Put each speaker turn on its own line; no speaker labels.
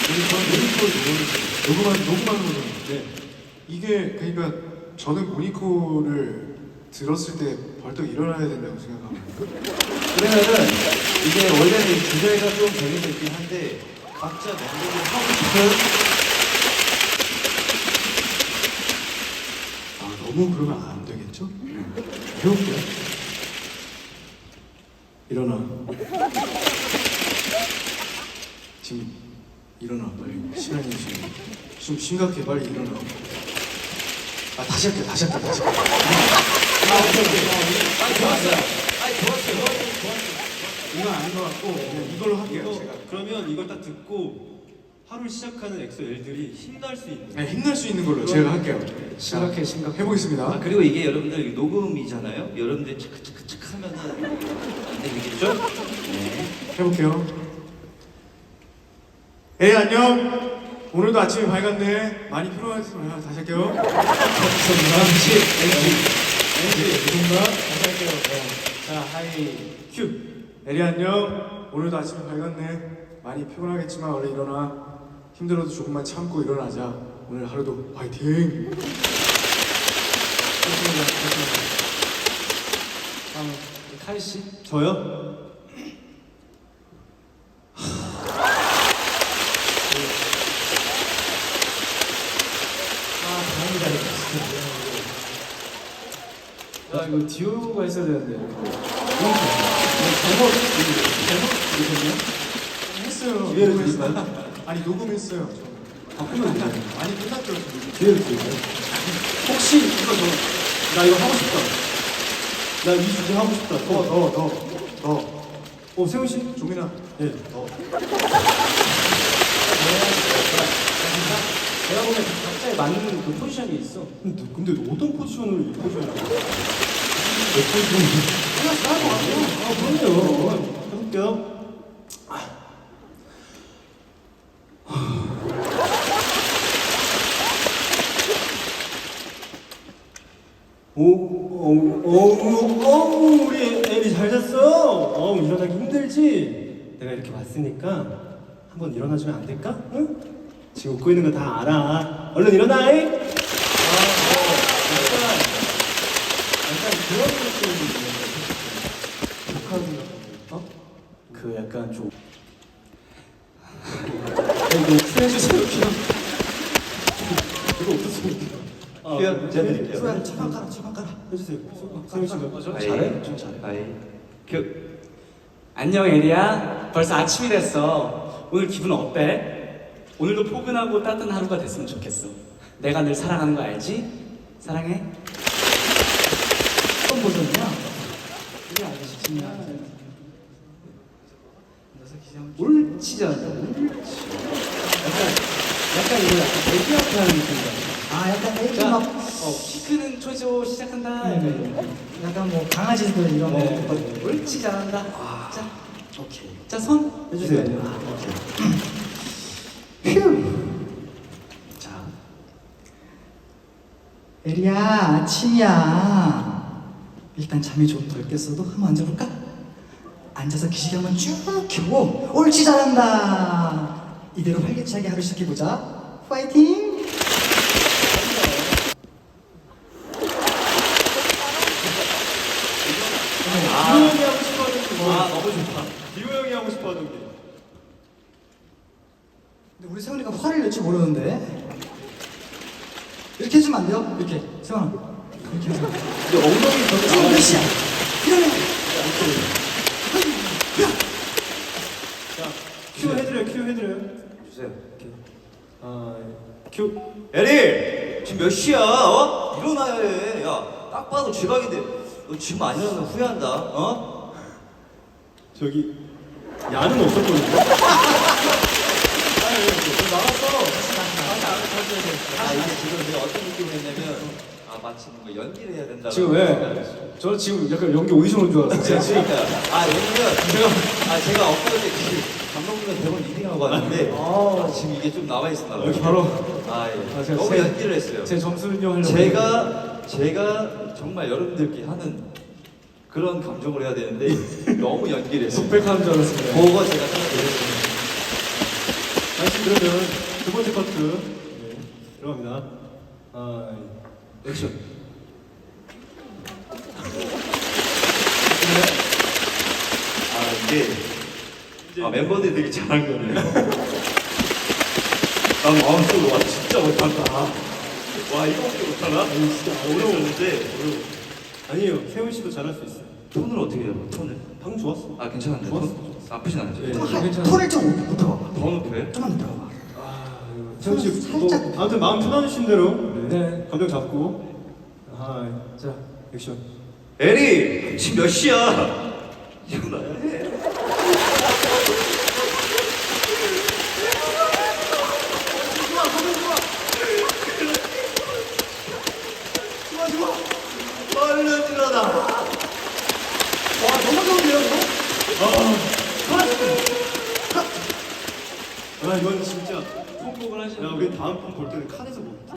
녹음하는 거죠. 이게 그러니까 저는 모니코를 들었을 때 벌떡 일어나야 된다고 생각합니다.
그러면은 이게 원래는 주제가 좀 정해져 있긴 한데 각자 멤버들이 하고 싶은
너무 그러면 안 되겠죠? 해볼게요. 일어나. 지금 일어나 빨리. 시간이 지금 좀 심각해. 빨리 일어나. 다시 할게.
오케이. 좋았어요.
이건 아닌 것 같고 그냥 이걸로 할게요. 제가.
그러면 이걸 딱 듣고 하루를 시작하는 엑소 L들이 힘날 수 있는.
네, 힘날 수 있는 걸로 제가 할게요.
심각해.
해보겠습니다.
그리고 이게 여러분들 녹음이잖아요. 여러분들 착착착착 하면은 안 되겠죠? 네.
해볼게요. 안녕. 오늘도 아침이 밝았네. 많이 피곤하지만 다시 할게요. 감사합니다. 죄송합니다. 다시 할게요. 자, 하이 큐. 에리 안녕. 오늘도 아침이 밝았네. 많이 피곤하겠지만 얼른 일어나. 힘들어도 조금만 참고 일어나자. 오늘 하루도 화이팅. 다음 카이 씨.
저요?
이거 디오가 했어야 되는데. 했어요. 녹음했어요. 아니 녹음했어요. 바꾸면 되잖아요. 아니 끝났죠.
기회를 드릴까요? 혹시 이거 나 이거 하고 싶다. 나 이 주제 하고 싶다.
너.
세훈 씨?
종민아.
네.
내가 보면 각자에 맞는 그 포지션이 있어.
근데 어떤 포지션을 이 포지션을?
그럼요.
해볼게요. 우리 애리 잘 잤어? 일어나기 힘들지? 내가 이렇게 왔으니까 한번 일어나주면 안 될까? 응? 지금 웃고 있는 거 다 알아. 얼른 일어나! 잉?
약간 그런 느낌이 있는데. 그 약간 좀.
이거 수해주세요. 이거 어떻습니까?
제가 드릴게요.
소야 차방 깔아.
해주세요. 세훈 씨가.
잘해? 좀 잘해. 아이.
안녕 에리야. 벌써 아침이 됐어. 오늘 기분 어때? 오늘도 포근하고 따뜻한 하루가 됐으면 좋겠어. 내가 늘 사랑하는 거 알지? 사랑해.
어떤 버전이야? 이게 알지?
옳지 않다.
약간 이거 약간 애기 앞에 하는 느낌이다. 약간 애기
자,
막
키 크는 초조 시작한다.
약간 뭐 강아지들 이런 거.
옳지 잘한다. 자, 오케이. 자, 손
해주세요.
자,
에리야 아침이야. 일단 잠이 좀 덜 깼어도 한번 앉아볼까? 앉아서 기시계 한번 쭉 켜고 옳지 잘한다. 이대로 활기차게 하루 시작해보자. 파이팅!
디오 형이 하고 싶어하는 게 뭐야?
너무 좋다.
디오 형이 하고 싶어하는 게.
근데 우리 세훈이가 화를 낼지 모르는데 이렇게 해주면 안 돼요? 이렇게 세훈아 이렇게 해서
이제 엉덩이
지금
더
몇 시야? 일어나!
큐 해드려요.
주세요.
큐.
에리! 지금 몇 시야? 일어나야 해. 야, 딱 봐도 지각인데 너 지금 안 일어나면 후회한다.
저기 야는 없었거든요.
이게 지금 내가 어떤 느낌을 했냐면 마치 뭔가 연기를 해야 된다.
지금 왜? 저 지금 약간 연기 오디션 온 줄 알았어요.
그러니까 왜냐면 제가 엊그제 감독님의 대본 리딩하고 왔는데 지금 이게 좀 나와 있었나 봐요.
여기 바로 제가
너무 연기를 했어요.
제 점수는요 하려고.
제가 정말 여러분들께 하는 그런 감정을 해야 되는데 너무 연기를 했어요.
독백하는 줄 알았습니다.
그거 제가 생각했어요.
다시 그러면 두 번째 커트 네, 들어갑니다. 아, 액션.
이게 멤버들이 되게 잘한 거네요. 난 마음속으로 와 진짜 못한다. 와 이거밖에 못하나?
아니 진짜
어려웠는데
아니에요. 세훈 씨도 잘할 수 있어요.
톤을 어떻게 해요? 톤을?
방금 좋았어.
아 괜찮은데
좋았어,
톤? 나쁘진 않죠.
네.
톤을 좀 높여봐봐.
더 높여요?
좀만 높여봐봐.
아, 세훈 씨
살짝.
뭐, 아무튼 마음 편하신 대로
네.
감정 잡고. 아, 자 액션.
에리 지금 몇 시야? 일어나야 해. 얼른 일어나.
너무 좋은데요, 이거?
아, 이건 진짜.
콩콩을 하시는
야, 우리 다음 편 볼 때는 칸에서 뭐.